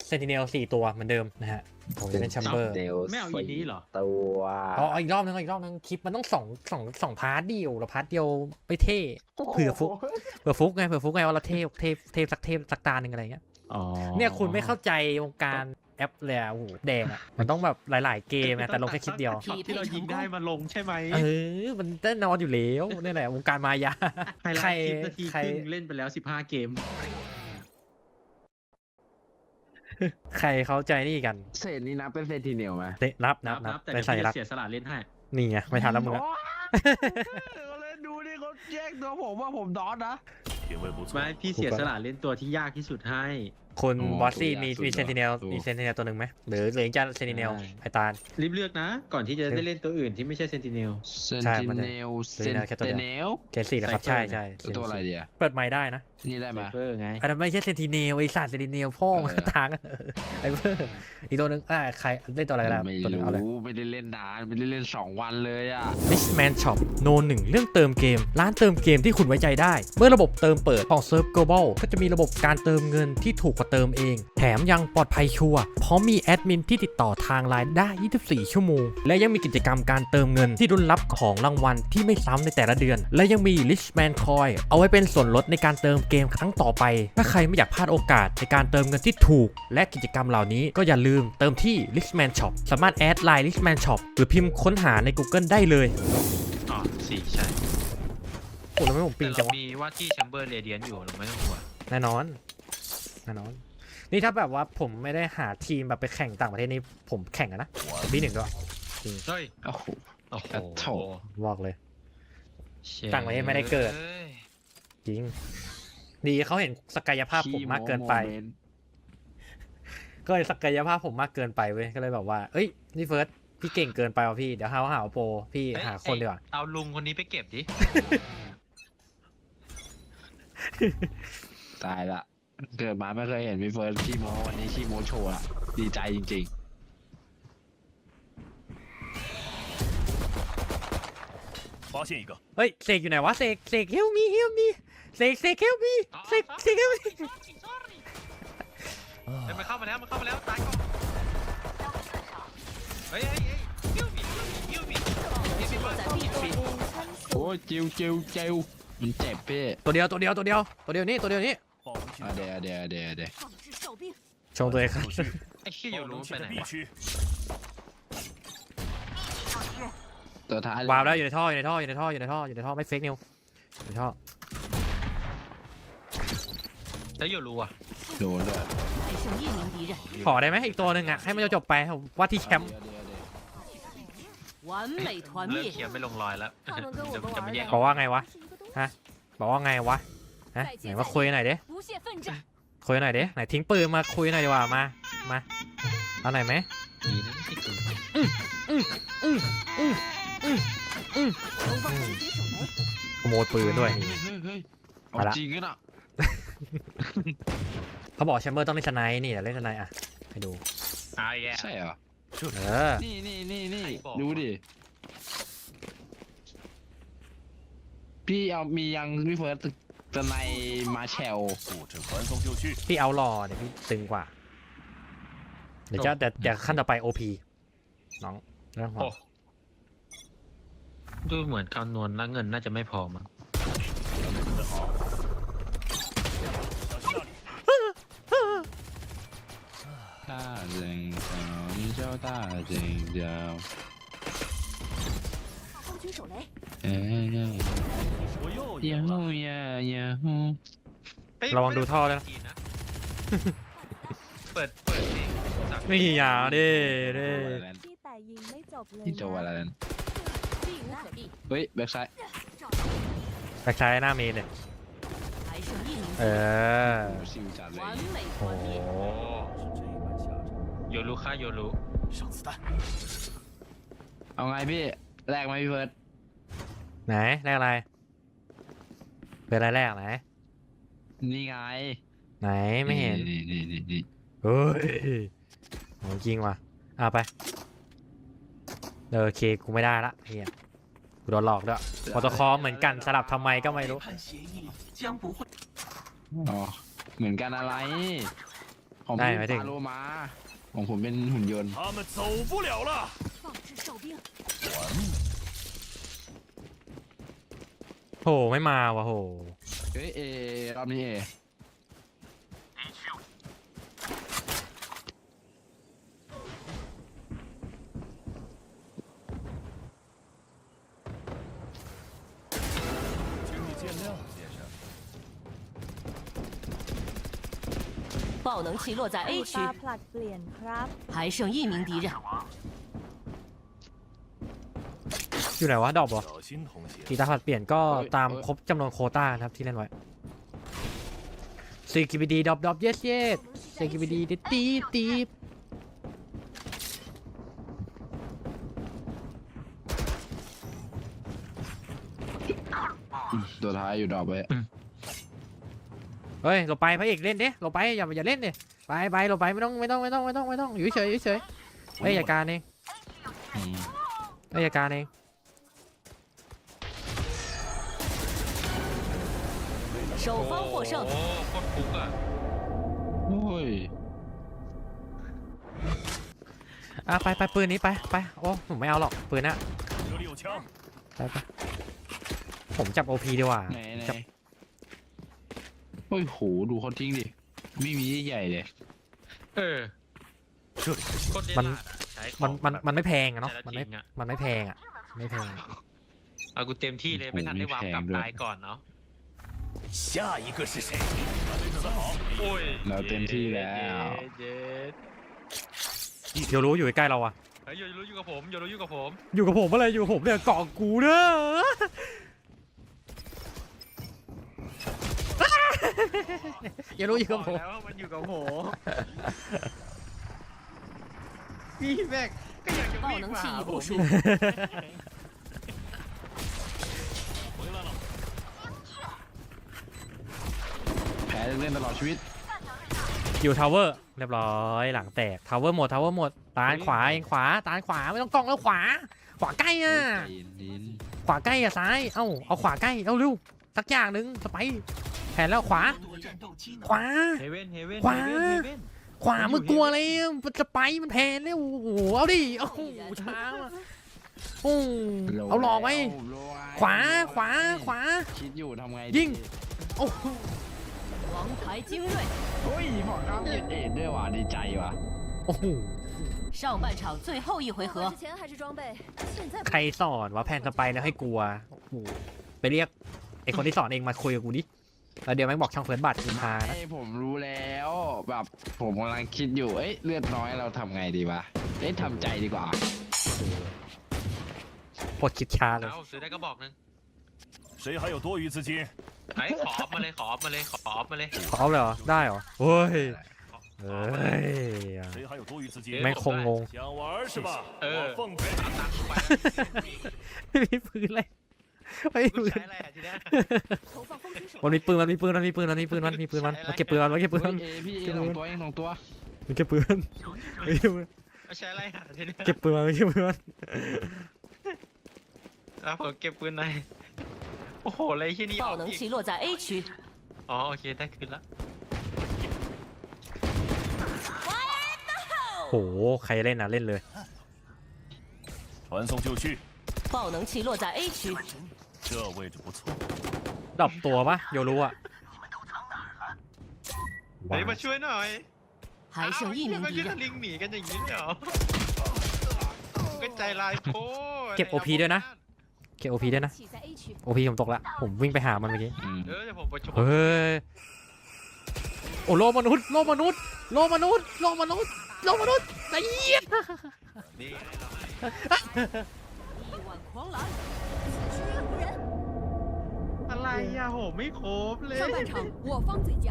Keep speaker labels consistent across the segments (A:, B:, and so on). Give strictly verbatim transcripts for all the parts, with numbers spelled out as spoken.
A: เซนติเนลสี่ตัวเหมือนเดิมนะฮะผมจะเล่นแชมเบอร์
B: ไม่เอาอีนี้เหรอ
C: ตัว
A: อ๋ออีกรอบนึงอีกรอบนึงคลิปมันต้องสองสองสองพาร์ทเดียวแล้วพาร์ทเดียวไม่เท่เผื่อฟุกเผื่อฟุกไงเผื่อฟุกไงว่าเราเทพเทพเทพสักเทพสักตาหนึ่งอะไรเงี้ย
B: อ๋อ
A: เนี่ยคุณไม่เข้าใจวงการแอปเลยอะโอ้โหแดงอะมันต้องแบบหลายๆเกมนะแต่ลงแค่คลิปเดียว
B: ช็อตที่เรายิงได้มาลงใช่ไหม
A: เออมันแน่นอนอยู่แล้วนี่แหละวงการมายา
B: ไฮไล
A: ใคร
B: ท์คลิปนาที
A: ใคร
B: ครึ่งเล่นไปแล้วสิบห้าเกม
A: ใครเข้าใจนี่กัน
C: เศษนี้นับเป็นเซนติเนลไหม
A: เตะนับนับนับ
B: แต่
A: เป็
B: เดี๋
A: น
B: ยว
A: สัญ
B: พี่
A: ลั
B: จะ
A: กษณ์
B: เสียสละเล่นให้
A: นี่ไงไม่ทันแล้วมึงอะ
C: เลยดูดิเขาแยกตัวผมว่าผมดอสนะ
B: ไม่พี่เสียสละเล่นตัวที่ยากที่สุดให้
A: คุณ
C: อ๋อบ
A: อสซี่
C: ตัว
A: มี
C: ยากสุด
A: มี
C: เหรอ
A: เซนติเนล
C: ตัว
A: มีเซนติเนลตัวหนึ่งไหมหรือหรือจะเซนติเนล
C: ได้
A: ไอตาล
B: รีบเลือกนะ ก่อนที่จะได้เล่นตัวอื่นที่ไม่ใช่เซนติเนล
C: เซน
A: ใช่
C: ติ
A: มันจะ
C: เนลเซน
A: Sentinel แค่ตัว
C: ติ
A: เดียว
C: เนล
A: เกรดสี่นะครับ
B: Cypher
A: ใช่ใช่
C: ตัวอะไรเดีย
A: เปิดไมค์ได้นะ
C: นี่ได้ไหม
B: เฟอร์ไง
A: อันนั้นไม่ใช่เซนติเนลไอสัตว์เซนติเนลพ่อมา
C: เออ
A: ทางไอเพิ่มอีกตัวหนึ่งอ่าใครเล่นตัวอะไรก็ได้
C: ไม่
A: ตัวหนึ่งเอาเลย
C: รู้ไม่ได้เล่นนานไม่ได้เล่นสองวันเลยอ่ะ
A: Richman Shop โนหนึ่งเรื่องเติมเกม ร้านเติมเกมที่คุณไว้ใจได้ เมื่อระบบเติมเปิดของเซิร์ฟ Global ก็จะมีระบบการเติมเงินที่ถูกกว่าเติมเอง แถมยังปลอดภัยชัวร์พร้อมมีแอดมินที่ติดต่อทางไลน์ได้ ยี่สิบสี่ ชั่วโมง และยังมีกิจกรรมการเติมเงินที่รุนรับของรางวัลที่ไม่ซ้ำในแต่ละเดือน และยังมี Richman Coin เอาไว้เป็นส่วนลดในการเติมเกมครั้งต่อไป ถ้าใครไม่อยากพลาดโอกาสในการเติมเงินที่ถูก และกิจกรรมเหล่านี้ก็อย่าลืมเติมที่ Richman Shop สามารถแอดไลน์ Richman Shop หรือพิมพ์ค้นหาใน Google ได้เลย
B: อ๋อสี่ใช่
A: โอ้แล้วไม่ผมปิ
B: แต่
A: งจั
B: เรา
A: งวะ
B: มีว่าที่แชมเบอร์เรเดียนอยู่เราไม่ต้องกลัว
A: แน่นอนแน่นอน นี่ถ้าแบบว่าผมไม่ได้หาทีมแบบไปแข่งต่างประเทศนี่ผมแข่งอะนะบีหนึ่งด้วย
B: เฮ้ย
C: โอ้โห
B: โอ้โห
C: อ่ะโถ
A: บอกเลย
B: เชี่ย
A: ต่างประเทศไม่ได้เกิด จริง ดีเขาเห็นศักยภาพผมมากเกินไป
C: ขี้โม้โมเมนต์
A: ก็เลยศักยภาพผมมากเกินไปเว้ยก็เลยแบบว่าเอ้ยนี่เฟิร์สพี่เก่งเกินไปว่ะพี่เดี๋ยวหาว่าหาว่าโปรพี่
B: เอ้ย
A: หาคนดีกว่า
B: เอาลุงคนนี้ไปเก็บดิ
C: ตายละเกิดมาไม่เคยเห็นพี่เฟิร์สขี้โม้วันนี้ขี้โม้โชว์ละดีใจจริง
D: 发现一个，
A: เฮ้ยเสกอยู่ไหนวะเสกเสกเฮลมีเฮลมีเสกเสกเฮลมีเสกเสกเฮลมี
B: เฮ้ยมันเข้ามาแล้วมันเข้ามาแล้วตายก่อนเฮ้ยเฮ้ยเฮ้ยยิ้วบิยิ้วบิยิ้วบิยิ้วบิยิ้วบิ
C: ๆ โอ้ยจิวจิวจิวมันเจ็บพี่
A: ตัวเดียวตัวเดียวตัวเดียวตัวเดียวนี่ตัวเดียวนี่
D: 保护区
C: อ่ะเดี๋ยวเดี๋ยวเดี๋ยวเดี๋ยว
E: 放置哨兵，
A: ชงตัวเองครับ
D: 出去，
B: ไอ้ขี้อยู่
D: 保
B: รู้
D: 能
B: ไป
D: 区
B: ไหน
D: 的 B
B: วะ
D: 区，
C: ตัวท้ายว
A: าร์ปแล้วอยู่ในท่ออยู่ในท่ออยู่ในท่ออยู่ในท่ออยู่ในท่อไม่เฟกนิวอยู่ในท่อ
B: แล้วอยู่รู้อ่ะ
C: โดนเลย
E: 还剩一名敌人，
A: ขอได้ไหมอีกตัวหนึ่งอ่ะให้มันจบๆไปผมว่าที่แชมป์
C: เดี๋ยวเดี๋ยวเดี๋ยว
E: 完美团
B: เริ่ม
E: 灭
B: เขียนไม่ลงรอยแล้ว
E: 他们跟我
B: จะ
E: 们
B: จะ
E: 玩
B: ไม่แย่ง
E: 的
A: บอกว่าไงวะ
E: 是一个东西
A: ฮะบอกว่าไงวะฮะไหนมาคุยหน่อยดิ
E: 不懈奋战，
A: คุยหน่อยดิไหนทิ้งปืนมาคุยหน่อยดีกว่ามามาเอาหน่อยไหม
B: ดีนะที่คือ
E: 东方狙击手雷，
A: ขโมยปืนด้วย
C: เฮ้ยเฮ้ยเฮ้ยเอา
A: มาละ
C: จริงกันอ่ะ
A: เขาบอกแชมเบอร์ต้องเล่นสไนด์นี่เดี๋ยวเล่นสไนด์อ่ะให้ดู
B: อ่าแย่
C: ใช่เหรอ
A: เออ
C: นี่นี่นี่นี่
B: ใครบอก
C: ดูดิพี่เอามียังพี่เฟิร์สจะในมาแชล
D: 布置传送就绪，
A: พี่เอารอเดี๋ยวพี่ตึงกว่า เดี๋ยวจะเดี๋ยวเดี๋ยวขั้นต่อไป โอ พี น้องเรื่องของ
B: ดูเหมือนคำนวณแล้วเงินน่าจะไม่พอมั้ง
D: 准备好，小心那里，
C: 大人叫你叫大人叫，
E: 东方狙手雷，
C: 哎呀
D: 我又
C: 呀
D: 赢了，
C: 呼呀呀呼，
B: เฮ้ย
A: ระวังดูท่อด้วยนะ
B: ดีนะเปิดเปิดเพลงจาก
A: นี่อยาดิดิ
E: ที่แต่ยิงไม่จบเลย
C: นี่จะว่าอะไรนั้น
E: 避无可避，
C: เฮ้ยแบ็กไซด์
A: แบ็คซ้ายหน้าเมนเนี่ย
E: 还剩一名
A: เอ
E: 敌人，
A: อ
C: ซิวจัดเลย
E: 完美
A: โอ้
E: 团
A: โห
E: 灭，
B: โยรู้ค่าโยรู้
D: 上子弹，
C: เอาไงพี่แรกไหมพี่เฟิร์ส
A: ไหนแรกอะไรเป็นอะไรแรกไหน
C: นี่ไง
A: ไหนไม่เห็น
C: นี่นี่นี่นี่
A: เฮ้ยของจริงว่ะเอาไปเออโอเคกูไม่ได้ละเฮียกูโดนหลอกด้วยโปรโตคอลเหมือนกันสลับทำไมก็ไม่รู้
D: 谈协议将不会，
C: อ๋อเหมือนกันอะไร คของ
A: ได้
C: พี่
A: หมายถึง
C: ปาโลมา ของผมเป็นหุ่นยนต์
D: 他们走不了了。
E: 放置哨兵，
A: โหไม่มาวะโห
C: เฮ้ยเอรอบนี้เอ
D: 请你见谅，先生。
F: 爆能器落在 A 区
E: ตา，ผลัดเปลี่ยนครับ
F: 还剩一名敌人。
A: อยู่ไหนวะดอกเหรอ
D: 小心同行。
A: กีตาร์ผัดเปลี่ยนก็ตามครบจำนวนโควต้านะครับที่เล่นไว้ซีกิบิดีดอบดอบเยสเยสซีกิบิดีตีตีตีบ
C: ตัวท้ายอยู่ดอกไว้
A: เฮ้ยเราไปพระเอกเล่นดิเราไปอย่าอย่าเล่นดิไปไปเราไปไม่ต้องไม่ต้องไม่ต้องไม่ต้องไม่ต้องอยู่เฉยอยู่เฉยเฮ้ยอย่าการเอง
C: อืม
A: เฮ้ยอย่าการเอง
F: 首方获胜
B: โอ้。โคตรฟุกอ่ะ
C: โอ้ย
A: อ่ะไปไปปืนนี้ไปไปโอ้ผมไม่เอาหรอกปืนน่ะ
D: 这里有枪，
A: ไปไปผมจับโอพีดีกว่า
C: ไหนไหน
A: จับ
C: โอ้ยโหดูเขาทิ้งดิ ไม่มีใหญ่เลย
B: เออ
D: 这里是
B: โคตรเล่น
A: มัน
B: ลาดอะใช้ข
A: มั
B: อน ง
A: มัน
B: แบบ
A: มันไม่แพงอะเนาะ
B: แต่ละ
A: มันไม่
B: จริงอะ
A: มันไม่แพงอะไม่แพง
B: เอากูเต็มที่เลยไม่ทันได้วางกลับตายก่อนเนาะ
D: 下一个是谁？准备准备好。
B: โอ้ย
C: เราเต็มที่แล้ว
B: เย็ด
A: โยรู้อยู่ใกล้เราอะ
B: เฮ้ยอย่ารู้อยู่กับผมอย่ารู้อยู่กับผม
A: อยู่กับผมอะไรอยู่กับผมเนี่ยเกาะกูเนอะอย่ารู้อยู่กับผม
B: แล้วมันอยู่กับผมพี่แม็กก็อยากจะวิ่ง
F: 爆能
B: มา
F: 器
B: หา
F: 已
B: ผ
F: 部
B: ม
F: 署，
D: 回来了。
C: แพ้เล่นตลอดชีวิต
A: อยู่ทาวเวอร์เรียบร้อยหลังแตกทาวเวอร์หมดทาวเวอร์หมดตาลขวาเองขวาตาลขวาไม่ต้องกล้องแล้วขวา ขวาใกล้อ่ะ
C: ใจเย็น
A: ขวาใกล้อ่ะซ้ายเอ้าเอาขวาใกล้เอาเร็วสักอย่างหนึ่งสไปร์แผนแล้วขวา ขวา
B: เฮเว่นเฮเว่น
A: ขวา
B: เฮเว่น
A: ขวามึงกลัวอะไรมันจะไปมันแผนแล้วโอ้โหเอาดิโอ้โหช้าว่ะโอ้
C: ๆ
A: เอาหลอกไว้
C: โลไว้
A: ขวาขวาขวา
C: คิดอยู่ทำไง
A: ยิง
C: ดี
A: โอ้โห
F: 王牌精锐。
C: เฮ้ยพอข้ามเอ็ดเอ็ดด้วยว่ะดีใจว่ะ
A: โอ้โห
F: 上半场最后一回合
E: 之，前还是装备，现在
A: ใครสอนว่าแผนสไปร์แล้วให้กลัวโอ้โหไปเรียกไอคนที่สอนเองมาคุยกับกูดิแล้วเดี๋ยวแม่งบอกช่องเฟิร์สบัตรกูพานะ
C: ไอ้ผมรู้แล้วแบบผมกำลังคิดอยู่เอ้ยเลือดน้อยเราทำไงดีวะเอ้ยทำใจดีกว่า
A: ปวดคิดช้าเลย
B: เอาซื้อได้ก็บอกนึง
D: 谁还有多余资金？
B: ไอ้ขอออฟมาเลยขอออฟมาเลยขอออฟมาเลย
A: ขอเอาเลยเหรอได้เหรอเฮ้ยเฮ้ย
D: 谁还有多余资金？
A: แม่งคงงง
D: 想玩是吧？
B: 呃
D: 我奉陪。
B: เอาตังค์กูไป
A: ไม่มีปืนเลยไม่
B: แล้ว
A: มีปืน
B: ใช้อะไรอ่ะทีเนี้ย
E: 投放风吹手
A: มันมีปืนมันมีปืนมันมีปืนมันมีปืนมันมีปืนมันมาเก็บปืนมันมาเก็บปืน
C: เฮ้
A: มั
C: ย
A: น
C: เอพี่เอสองตัวเองสองตัว
A: มาเก็บปืนมาเก็บปืน
B: เอาใช้อะไรอ่ะทีเนี้ย
A: เก็บปืนมันมาเก็บปืนมัน
B: เอาผมเก็บปืนในอยโอ้โหอะไรที่นี่
F: 爆能器落在 A 区，
B: อ๋อโอเคได้คืนละ
A: โหใครเล่นนะเล่นเลย
D: 传送就绪，
F: 爆能器落在 A 区，
D: 这位置不错。
A: ดรอปตัวปะโยรู้อะ
B: เฮ้ยมาช่วยหน่อย
F: 还剩一名
B: ก็
F: 敌
B: ยืน
F: 人。
B: ลิงหนีกันอย่างนี้เหรอก็ใจลายโพด
A: เก็บโอพีด้วยนะเก็บโอพีด้วยนะ
E: 器在 A 区，
A: โอพีผมตกละผมวิ่งไปหามันเมื่อกี้
C: อืม
B: เออเดี๋ยวผมประชุม
A: เฮ้ยโอ้โลกมนุษย์โลกมนุษย์โลกมนุษย์โลกมนุษย์โลกมนุษย์ไอ้เหี้ย
B: นี่
F: 力挽狂澜，
E: 无人。
B: อะไรอ่ะโหไม่ครบเลย
E: 上半场我方最佳，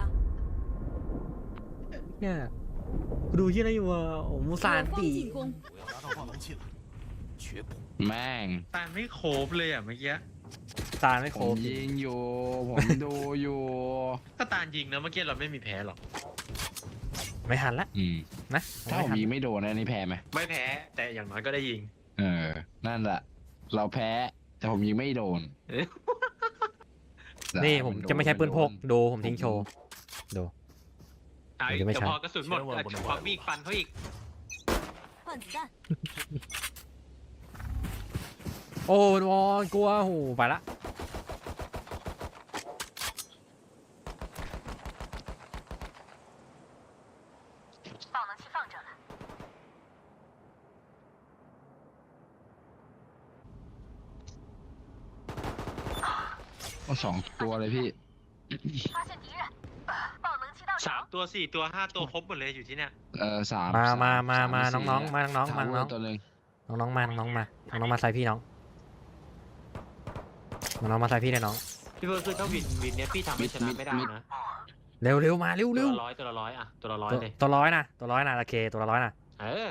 A: เนี่ยกูดูยี่อะไรอยู่อ่ะโอ้มูซาน
E: 我方
A: ตี
E: 进攻，
D: 我要拿到爆能器了，绝不。
C: แม่ง
B: ตายไม่ครบเลยอ่ะเมื่อกี้
A: ตาไม่
C: ผ
A: คร
C: ม
A: บ
C: ยิงอยู่ ผมดูอยู่
B: ถ้าตายิงนะเมื่อกี้เราไม่มีแพ้หรอก
A: ไม่หันละ
C: อืม
A: นะ
C: ถ้าผมยิงไม่โดนอันนี้แพ้ไหม
B: ไม่แพ้แต่อย่างน้อยก็ได้ยิง
C: เออ นั่นแหละ เราแพ้ แต่ผมยิงไม่โดน
B: เอ๊ะ
A: นี่ผมจะไม่ใช้ปืนพกดูผมทิ้งโชว์ดู
B: ไอ้
A: เดี๋ยวไม่
B: แต่
A: ใช่
B: พอกระสุนหมดอ่ะควักมีดฟันเขาอีก
E: 换子弹，
A: โอ้วอกลัวโหไปละ
C: ก็สองตัวเลยพี่
B: สามตัวสี่ตัวห้าตัวครบหมดเลยอยู่ที่เนี่ย
C: เออสาม
A: มา
C: ส
A: มามา
C: ส
A: มา
C: หรือ
A: น้อง
C: สี่
A: ๆมาน้องๆมา
C: ส
A: น้อง
C: ตัวหนึ่ง
A: ๆน้องๆมาน้องๆมาน้องๆมาใส่พี่น้องน้องๆมาใส่พี่เลยน้อง
B: พี่เบิร์ดคือถ้าวินวินเนี้ยพี่ทำให้ชนะไม่ได้นะ
A: เร็วเร็วมาเร็ว
B: ตัว
A: เร็ว
B: ละร้อยตัวละร้อยอ่ะตัวละร้อย
A: ตัว
B: เลย
A: ตัวร้อยนะตัวร้อยนะโอเคตัวละร้อยนะ
B: เออ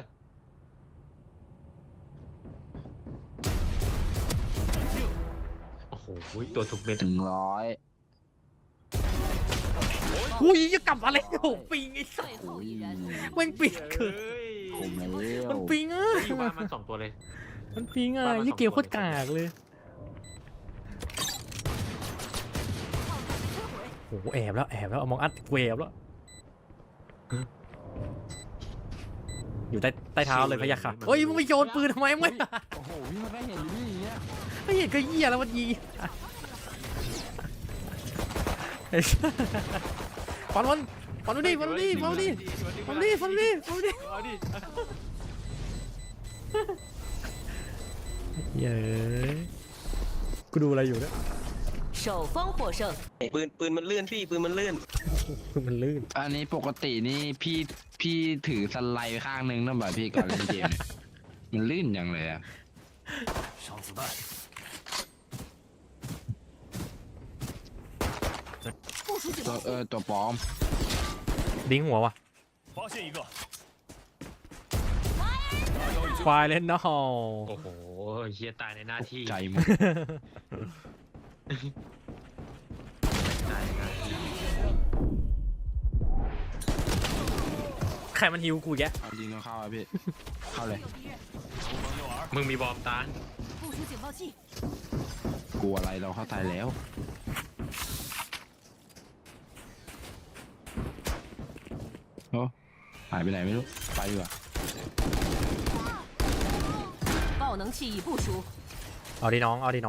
B: โอ้โหตัวถูกเม็ด
C: ถึงร้อย
A: อุ้ยจะกลับมาเลยโอ้ปิงไอ้สัส
F: 最后一人，
A: แม่งปิงเกิน
B: เฮ้ย
C: ผมแล้ว
A: มันปิงอ่ะ
B: อยู่บ้านมันสองตัวเลย
A: มันปิงอ่ะ
B: บ้านมัน
A: ยี่
B: สอง
A: เกมโคตร
B: ตัว
A: กากเลยโอ้โหแอบแล้วแอบแล้วเอามองอัดเวบแล้วอยู่ใต้ใต้เท้าเลยพะยะค่ะเฮ้ยมึงไปโยนปืนทำไมมึง
C: โอ้โหพี่มันก็เห็นอยู่พี่อย่างเงี้ย
A: ไม่เห็นก็เหี้ยแล้วมันยีไอ้สัสฟันมันฟันมันดิฟันมันดิฟันมันดิฟันมันดิฟันมันดิฟันมันดิ
B: เอาดิ
A: เย้กูดูอะไรอยู่เนี่ย
F: 首方获胜。
G: ปืนปืนมันเลื่อนพี่ปืนมันเลื่อน
A: มันลื่น
C: อันนี้ปกตินี่พี่พี่ถือสไลด์ข้างนึงนั่นแบบพี่ก่อนเล่นเกมเนี่ยมันลื่นอย่างเลยอะ
D: 上子弹，
E: 部署警
C: ตัว
E: 报
C: เอ
E: 器，
C: อตัวปลอม
A: ดิ้งหัววะ
D: 发现一个，
A: ควายเล่นนะฮอ
B: โอ้โหเฮียตายในหน้าที่
C: ใจหมด
B: ตายในหน้าที่
A: ใครมันฮิวกูแก
C: เอาจริงก็เข้าอะพี่ เข้าเลย
B: มึงมีบอมตาน
E: 部署警报器，
C: กลัวอะไรเราเข้าใจแล้วโอ้หายไปไหนไม่รู้ ไปดีกว่า
F: 爆能器已部署，
A: เอาดิน้องเอาดิน้อง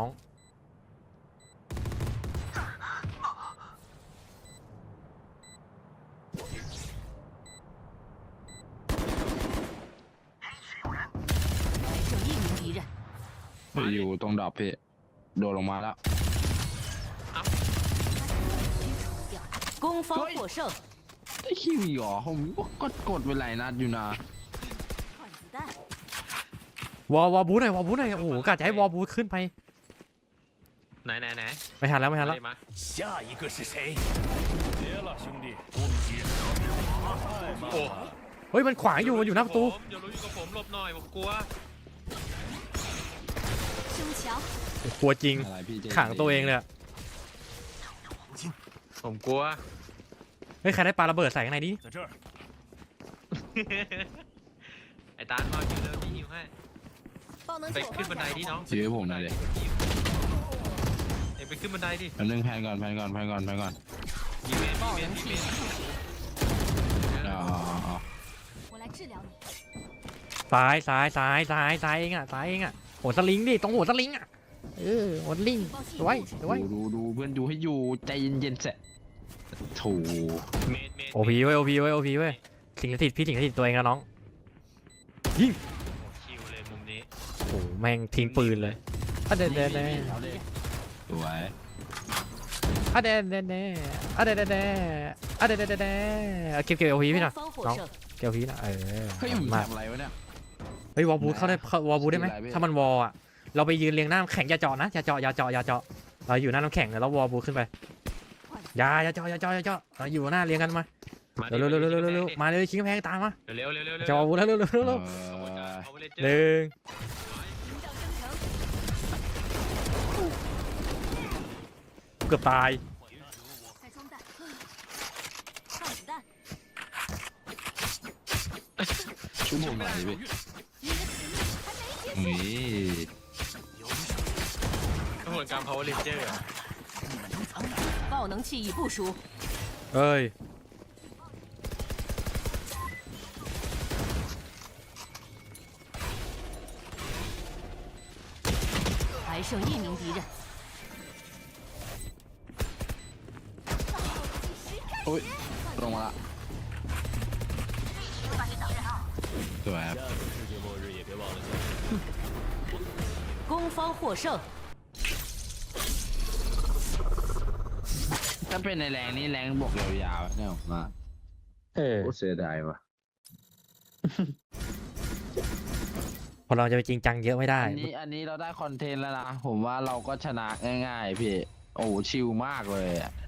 F: 还剩一名敌人。
C: อยู่ตรงดรอปพี่ โดดลงมาแล้ว
F: 攻方获胜，
C: ได้คิวอีกเหรอผมก็กดไปหลายนัดอยู่นะ
E: 换子弹，
A: วอลวอลบูทหน่อยวอลบูทหน่อยโอ้โหกะจะให้วอลบูทขึ้นไป
B: ไหนไหนไหน
A: ไม่ทันแล้วไม่ทันแล้ว
B: ได้มา
D: 下一个是谁？别了，兄弟，攻击太慢
B: โอ้
D: 了。
A: เฮ้ยมันขวางอยู่มันอยู่หน้าประตู
B: ผมอย่ารู้อยู่กับผมหลบหน่อยผมกลัว
E: 胸墙，
A: กลัวจริง
C: อะไรพี่เจ
A: ขังตัวเองเลยอะ
B: ผมกลัว
A: เฮ้ยใครได้ปาระเบิดใส่ข้างในดิ
D: 在这儿，
B: ไอ้ตาลมาอยู่เลยพี่ฮิวให้
E: 爆能
B: ไป
E: 器我
B: ขึ้น
E: 放
B: บันได
E: 下
B: ดิ
E: 了，
B: น้อง
C: ยื้อผมหน่อยดิ
B: เอ้ยไปขึ้นบันไดดิ
C: แป๊บนึงแพนก่อนแพนก่อนแพนก่อนแพนก่อน
B: มีเมนมีเมนมีเมน
C: อ๋ออ๋ออ๋อ
E: 我来治疗你。
A: ซ้ายซ้ายซ้ายซ้ายซ้ายเองอ่ะซ้ายเองอ่ะหัวสลิงดิตรงหัวสลิงอ่ะเออหัวสลิงสวยสวย
C: ดูดูดูเพื่อนดูให้อยู่ใจเย็นๆเสร็จโถู
B: เมนเมน
A: โอพีเว้ยโอพีเว้ยโอพีเว้ยสิงสถิตพี่สิงสถิตตัวเองนะน้องยิง
B: คิวเลยมุมนี้
A: โอ้โหแม่งทิ้งปืนเลยอะเดเดเด
C: สวย
A: อะเดเดเดอะเดเดเดอะเดเดเดเดเอาเก็บเก็บโอพีพี่หน่อย
F: 攻方获
A: น้อง
F: 胜，
A: เก็บโอพีนะเออ
C: เฮ้ยมึง
A: มา
C: ทำอะไรวะเนี่ย
A: เฮ้ยวอลบูทเข้าได้เข้าวอลบูทได้ไหม
C: ชื่ออะไรพี่
A: ถ้ามันวอลอ่ะเราไปยืนเรียงหน้าน้ำแข็งอย่าเจาะนะอย่าเจาะอย่าเจาะอย่าเจาะเราอยู่หน้าน้ำแข็งแล้ววอลบูทขึ้นไป
E: 换子
A: อย่าอย่าเจาะอย่าเจาะอย่าเจาะเราอยู่หน้าเรียงกันมา
B: มาดิ
A: เร็วเร็วเร็วเร็วเร็วเร็วมาเลยชิงกำแพงตามมา
B: เร็วเร็วเร็วเร็ว
A: เจาะบูทแล้วเร็วเร็วเร็ว
C: เอ
A: เร็ว
C: อ
B: เอาไปเลย
A: หนึ่ง
E: 弹，营长生成，
A: เกือบตาย
E: 再装弹，换子弹，
C: ชุบผมหน่อยดิพี่
E: 你的实力还没结束。
C: นี่
B: กระบวนการ power ranger อะ
F: 爆能器已部署，
A: เอ้ย
F: 剩一名敌人，
C: อุ้ยลงมาละสวยครับ
D: 下次世界末日也别忘了。
F: 攻方获胜。
C: ถ้าเป็นในแรงนี่แรงบวกยาวๆเนี่ยผมว่า
H: เออ
C: โคตรเสียดายว่ะ
A: พอเราจะไปจริงจังเยอะไม่ได้
C: อันนี้อันนี้เราได้คอนเทนต์แล้วนะ ผมว่าเราก็ชนะง่ายๆพี่ โอ้โหชิลมากเลยอะ